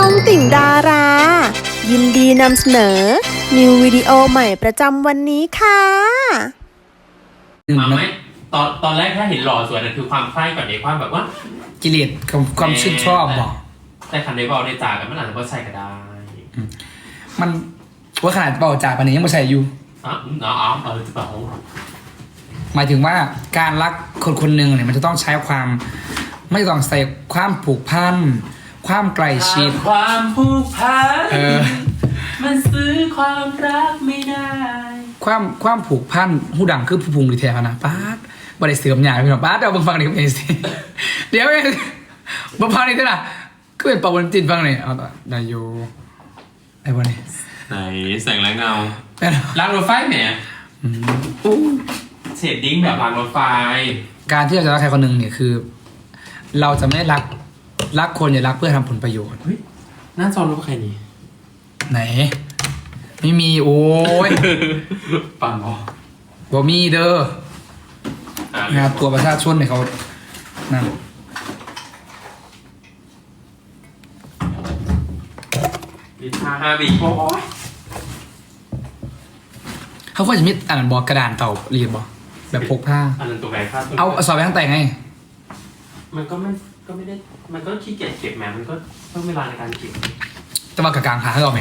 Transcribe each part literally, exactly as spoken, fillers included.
องติ่งดารา ยินดีนำเสนอ นิววิดีโอใหม่ประจำวันนี้ค่ะมาไหมตอนตอนแรกถ้าเห็นหล่อสวยนั่นคือความใคร่ก่อนในความแบบว่ากิเลสความความชื่นชอบบอกแต่คันในบอลในจ่ากันเมื่อไหร่ก็ใส่ก็ได้มันว่าขนาดเบาจากปันนี้ยังไม่ใช่อยู่อ๋ออ๋อเออจะบอกหมายถึงว่าการรักคนคนหนึ่งเนี่ยมันจะต้องใช้ความ ไม่ต้องใส่ความผูกพันความใกล้ชิดความผูกพันเออมันซื้อความรักไม่ได้ความความผูกพันหูดังคือผู้พุงดีแท้นะป้าดบริเสื่อมหยาพี่น้องป้าดเอาบังฟังนี่ก็เป็นสิเดี๋ยวบังฟังนี่ด้วยนะก็เป็นปะวันจินฟังนี่เอาต่อได้อยู่ไอ้บนนี้ไหนแสงและเงาเป็นรางรถไฟแหมอืมอู้เชดดิ้งแบบรางรถไฟการที่เราจะรักใครคนหนึ่งเนี่ยคือ เราจะไม่รักรักคนอย่ารักเพื่อทำผลประโยชน์เฮ้ยหน้าจอรู้ใครนี่ไหน ไม่มีโอ้ยปังอ๋อบ่มีเด้อ งานตัวประชาชนเนี่ยเขานั่นดิชาฮาบิโอ้ยเขาควรจะมีอ่านบอกกระดานเต่าเรียนบอกแบบพกผ้าอันนั้นตัวแบกค่าตัวเอาสอบไปทั้งแต่งไงมันก็ไม่ก็ไม่ได้ มันก็ขี้เกียจเก็บแหมมันก็ต้องเวลาในการเก็บจะมากระกลางขาให้เราไหม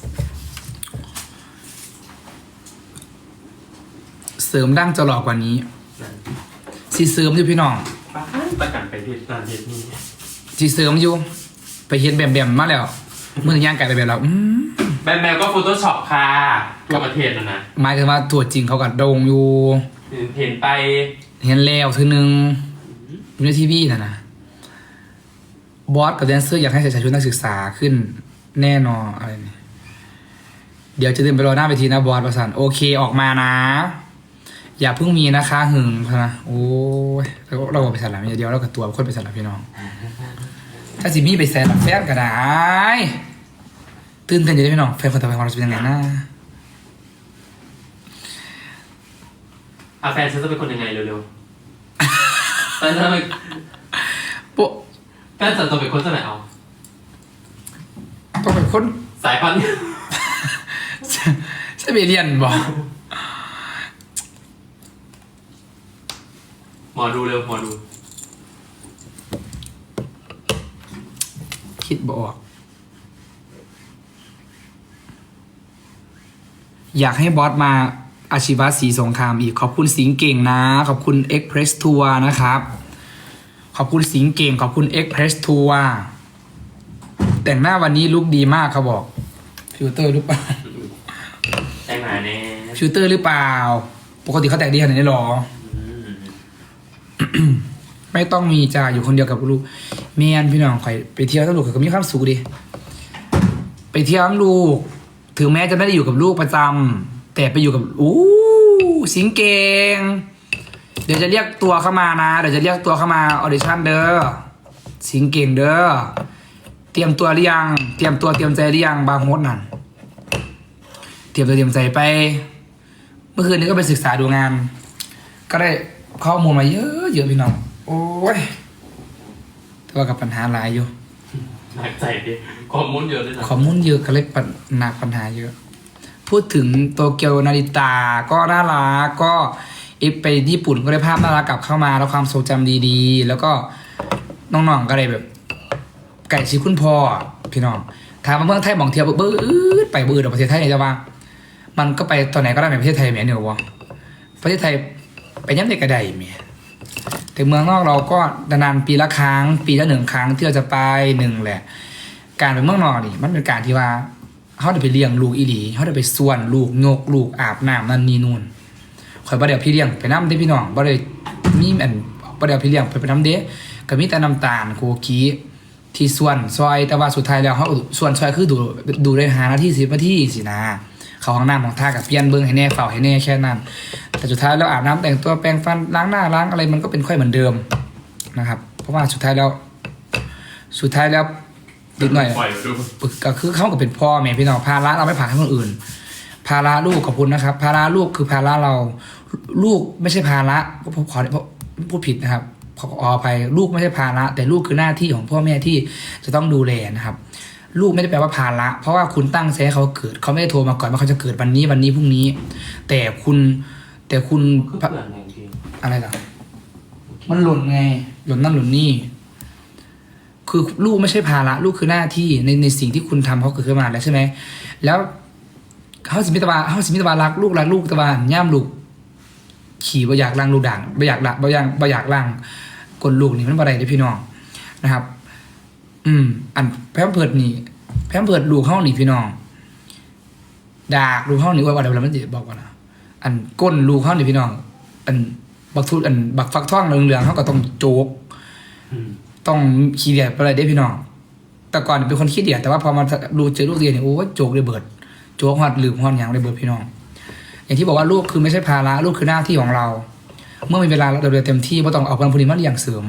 เสริมดั้งจะหลอกกว่านี้สีเสริมอยู่พี่น้องป้าประกันไปเรียนการเรียนนี่สีเสริมอยู่ไปเห็นแบมแบมมาแล้วเมื่อย่างไก่ไปแบบแล้วอืมแบมแบมก็โฟโต้ช็อปค่ะทั่วประเทศนะนะหมายถึงว่าตัวจริงเขากัดโดงอยู่เห็นไปเห็นแล้วทีนึงอยู่ในทีวีนะนะบอสกับแดนเซอร์อยากให้ใส่ชุดนักศึกษาขึ้นแน่นอนอะไรนี่เดี๋ยวจะเดินไปรอหน้าเวทีนะบอสประสานโอเคออกมานะ อย่าเพิ่งมีนะคะหึงนะโอ้ยเราเราไปสลับเดียวเรากับตัวคนไปสลับพี่น้อง ถ้าสิมีไปแซนแฟนก็ได้ตื่นเต้นอยู่ด้วยพี่น้องแฟนคนต่อไปของเราจะเป็นยังไงนะอาแฟนฉันจะเป็นคนยังไงเร็วๆแฟนฉันเป็นโป๊ะแฟนฉันจะเป็นคนจะไหนเอาต้องเป็นคนสายพันธุ์ใช่เบเรียนบอกหมอดูเร็วหมอดูคิดบออกอยากให้บอสมาอาชีวะสีสงครามอีกขอบคุณสิงเก่งนะ ขอบคุณ Express Tour นะครับ ขอบคุณสิงเก่งขอบคุณ Express Tour แต่งหน้าวันนี้ลุคดีมากเขาบอกฟิลเตอร์หรือเปล่าแต่งหน้าแน่ฟิลเตอร์หรือเปล่า ปกติเขาแต่งดีขนาดนี้หรออืมไม่ต้องมีจ่าอยู่คนเดียวกับลูกแม่นพี่น้องใครไปเที่ยวทั้งลูกก็มีความสุขดิไปเที่ยวทั้งลูกถึงแม้จะไม่ได้อยู่กับลูกประจำแต่ไปอยู่กับอู้สิงเก่งเดี๋ยวจะเรียกตัวเข้ามานะเดี๋ยวจะเรียกตัวเข้ามาออดิชั่นเด้อสิงเก่งเด้อเตรียมตัวหรือยังเตรียมตัวเตรียมใจหรือยังบางโฮสนั่นเตรียมตัวเตรียมใจไป เมื่อคืนนี้ก็ไปศึกษาดูงาน ก็ได้ข้อมูลมาเยอะเยอะพี่น้องโอ้ยแต่ว่ากับปัญหาหลายอยู่หนักใจดิข้อมูลเยอะด้วยนะข้อมูลเยอะก็เลยปัญหนักปัญหาเยอะ พูดถึงโตเกียวนาริตาก็น่ารักก็อีไปญี่ปุ่นก็ได้ภาพน่ารักกลับเข้ามาแล้วความทรงจำดีๆ แล้วก็น้องๆก็เลยแบบ ไก่ชิคุณพ่อพี่น้องถามมาเมืองไทยมองเที่ยวเบื้อไปเบื้อดอกประเทศไทยเนี่ยจะว่า มันก็ไปตอนไหนก็ได้ในประเทศไทยแหมเนี่ยวะประเทศไทยไปย้ำในกระไดแหมแต่เมืองนอกเราก็นานๆปีละครั้ง ปีละหนึ่งครั้งที่เราจะไปหนึ่งแหละ การไปเมืองนอกนี่มันเป็นการที่ว่าเขาได้ไปเลี้ยงลูกอีหลีเขาได้ไปส่วนลูกโยกลูกอาบน้ำนั่นนี่นู่นคอยบ่เดี๋ยวพี่เลี้ยงไปน้ำได้พี่น้องบ่ได้มีอันบ่เดี๋ยวพี่เลี้ยงไปไปน้ำเด้ก็มีแต่น้ำตาลโคกีที่ส่วนซอยแต่ว่าสุดท้ายแล้วเขาส่วนซอยคือดูดูได้หานาทีสิบนาทีสินะเขาห้องน้ำของท่ากับเปลี่ยนเบิ้งให้แน่เฝ้าให้แน่แค่นั้นแต่สุดท้ายแล้วอาบน้ำแต่งตัวแปรงฟันล้างหน้าล้างอะไรมันก็เป็นค่อยเหมือนเดิมนะครับเพราะว่าสุดท้ายแล้ว สุดท้ายแล้วนิดหน่อยปล่อยมาดูก็คือเขาก็เป็นพ่อแม่พี่น้องภาระเราไม่ผ่านให้คนอื่น ภาระลูกขอบคุณนะครับ ภาระลูกคือภาระเรา ลูกไม่ใช่ภาระผมขอพูดผิดนะครับขออภัยลูกไม่ใช่ภาระแต่ลูกคือหน้าที่ของพ่อแม่ที่จะต้องดูแลนะครับลูกไม่ได้แปลว่าภาระเพราะว่าคุณตั้งใจให้เขาเกิดเขาไม่ได้โทรมาก่อนว่าเขาจะเกิดวันนี้วันนี้พรุ่งนี้ แต่คุณแต่คุณคือเปลือกไงจริงอะไรล่ะมันหล่นไงหล่นนั่นหล่นนี่คือลูกไม่ใช่ภาระลูกคือหน้าที่ในในสิ่งที่คุณทำเขาเกิดขึ้นมาแล้วใช่ไหมแล้วเขาสิมิตรบาเขาสิมิตรบารักลูกรักลูกตะบานย่ามลูกขี่บ่อยากล่างลูกด่างบ่อยากละบ่อยากบ่อยากล่างกดลูกนี่มันบ่ได้เด้อพี่น้องนะครับ อืม อันแพมเพิร์ดนี่แพมเพิร์ดลูกห้องนี่พี่น้องดากลูกห้องนี่ว่าอะไรแล้วมันจะบอกว่านะอันก้นลูกห้องนี่พี่น้อง อันบักทุอันบักฟักท่องเหลืองๆเขาก็ต้องโจกอืมต้องขี้เดียดไปเลยได้พี่น้อง แต่ก่อนเป็นคนขี้เดียดแต่ว่าพอมาดูเจอลูกเรียนเนี่ยโอ้โจกเลยเบิดโจกฮอดลืมฮอดอย่างเลยเบิดพี่น้อง อย่างที่บอกว่าลูกคือไม่ใช่ภาระลูกคือหน้าที่ของเรา เมื่อมีเวลาเราเรียนเต็มที่ไม่ต้องเอาคนพวกนี้มาเลี้ยงเสริม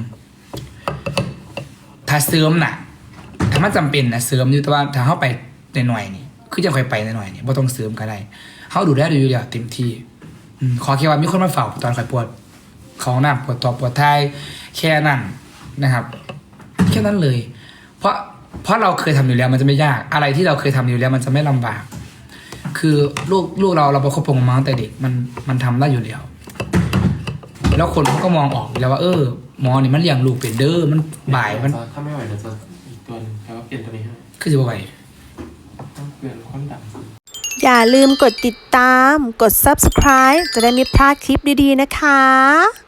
ถ้าเสริมน่ะถ้ามันจำเป็นนะเสริมอยู่แต่ว่าถ้าเข้าไปในหน่อยนี่คือจะค่อยไปในหน่อยนี่ไม่ต้องเสริมก็ได้เขาดูได้ดูอยู่แล้วเต็มที่อืมขอแค่ว่ามีคนมาเฝ้าตอนข่อยปวดของหน้าปวดตัวปวดท้ายแค่นั้นนะครับ แค่นั้นเลย เพราะเพราะเราเคยทำอยู่แล้วมันจะไม่ยากอะไรที่เราเคยทำอยู่แล้วมันจะไม่ลำบาก คือลูกลูกเราเราประคบประหงมมาตั้งแต่เด็กมันมันทำได้อยู่แล้วแล้วคนเขาก็มองออกอยู่แล้วว่าเออหมอนี่มันเลี้ยงลูกเป็นเด้อมันบ่ายมันถ้าไม่ไหวเดี๋ยวจะอีกตัวหนึงแปลว่าเปลี่ยนตัวนี้ให้คือจะบ่ไหวต้องเปลี่ยนความดังอย่าลืมกดติดตาม กด ซับสไครบ์ จะได้ไม่พลาดคลิปดีๆนะคะ